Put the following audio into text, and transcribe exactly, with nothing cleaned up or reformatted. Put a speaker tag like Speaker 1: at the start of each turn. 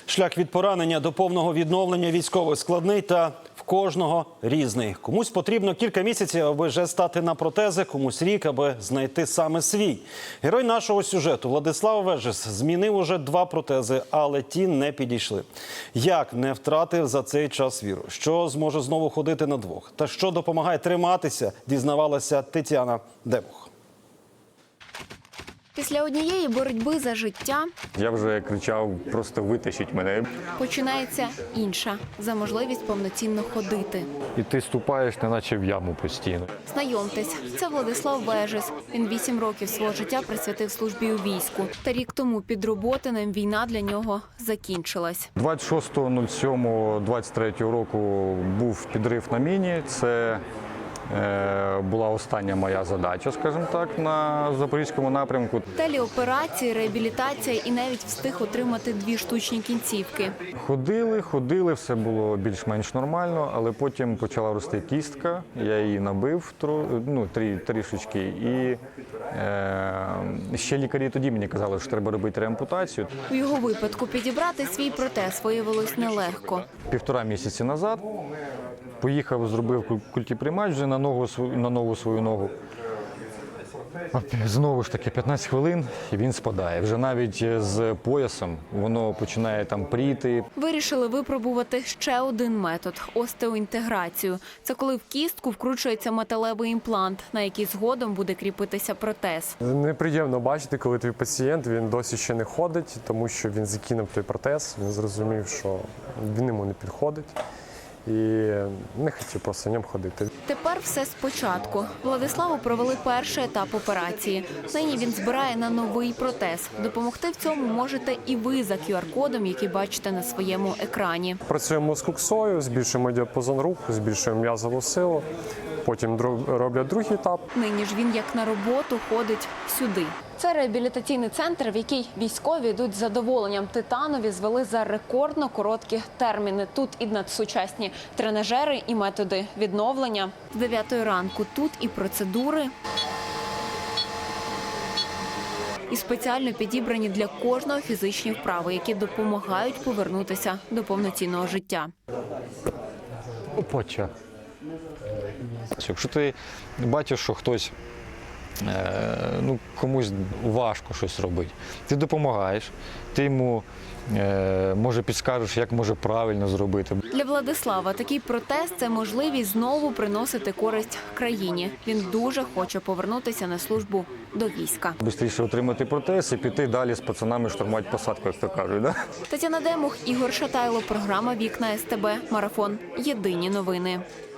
Speaker 1: Шлях від поранення до повного відновлення військових складний та в кожного різний. Комусь потрібно кілька місяців, аби вже стати на протези, комусь рік, аби знайти саме свій. Герой нашого сюжету Владислав Вежес змінив уже два протези, але ті не підійшли. Як не втратив за цей час віру? Що зможе знову ходити на двох? Та що допомагає триматися, дізнавалася Тетяна Демух.
Speaker 2: Після однієї боротьби за життя
Speaker 3: Я вже кричав, просто витащіть мене.
Speaker 2: починається інша – за можливість повноцінно ходити.
Speaker 4: І ти ступаєш, неначе в яму постійно.
Speaker 2: Знайомтесь, це Владислав Вежес. Він вісім років свого життя присвятив службі у війську. Та рік тому під Роботинем війна для нього закінчилась.
Speaker 3: двадцять шостого сьомого двадцять третього року був підрив на міні. Це е, була остання моя задача, скажімо так, на Запорізькому напрямку.
Speaker 2: Телеоперації, реабілітація і навіть встиг отримати дві штучні кінцівки.
Speaker 3: Ходили, ходили, все було більш-менш нормально, але потім почала рости кістка, я її набив тро- ну, трі, трішечки. І е, ще лікарі тоді мені казали, що треба робити реампутацію.
Speaker 2: У його випадку підібрати свій протез виявилось нелегко.
Speaker 3: Півтора місяці назад поїхав, зробив культіприймач вже на, ногу, на нову свою ногу. Знову ж таки, п'ятнадцять хвилин і він спадає. Вже навіть з поясом воно починає там пріти.
Speaker 2: Вирішили випробувати ще один метод – остеоінтеграцію. Це коли в кістку вкручується металевий імплант, на який згодом буде кріпитися протез.
Speaker 5: Неприємно бачити, коли твій пацієнт, він досі ще не ходить, тому що він закинув той протез, він зрозумів, що він йому не підходить. І не хотів просто в ньому ходити.
Speaker 2: Тепер все спочатку. Владиславу провели перший етап операції. Нині він збирає на новий протез. Допомогти в цьому можете і ви за кю ар-кодом, який бачите на своєму екрані.
Speaker 5: Працюємо з куксою, збільшуємо діапазон руху, збільшуємо м'язову силу. Потім роблять другий етап.
Speaker 2: Нині ж він як на роботу ходить сюди. Це реабілітаційний центр, в який військові йдуть з задоволенням. Титанові звели за рекордно короткі терміни. Тут і надсучасні тренажери, і методи відновлення. З дев'ятої ранку тут і процедури, і спеціально підібрані для кожного фізичні вправи, які допомагають повернутися до повноцінного життя.
Speaker 4: Опача. Якщо ти бачиш, що хтось, е, ну, комусь важко щось робити, ти допомагаєш, ти йому, е, може, підскажеш, як може правильно зробити.
Speaker 2: Для Владислава такий протез – це можливість знову приносити користь країні. Він дуже хоче повернутися на службу до війська.
Speaker 3: Бистріше отримати протез і піти далі з пацанами штурмувати посадку, як то кажуть. Да?
Speaker 2: Тетяна Демух, Ігор Шатайло, програма «Вікна ес те бе», марафон «Єдині новини».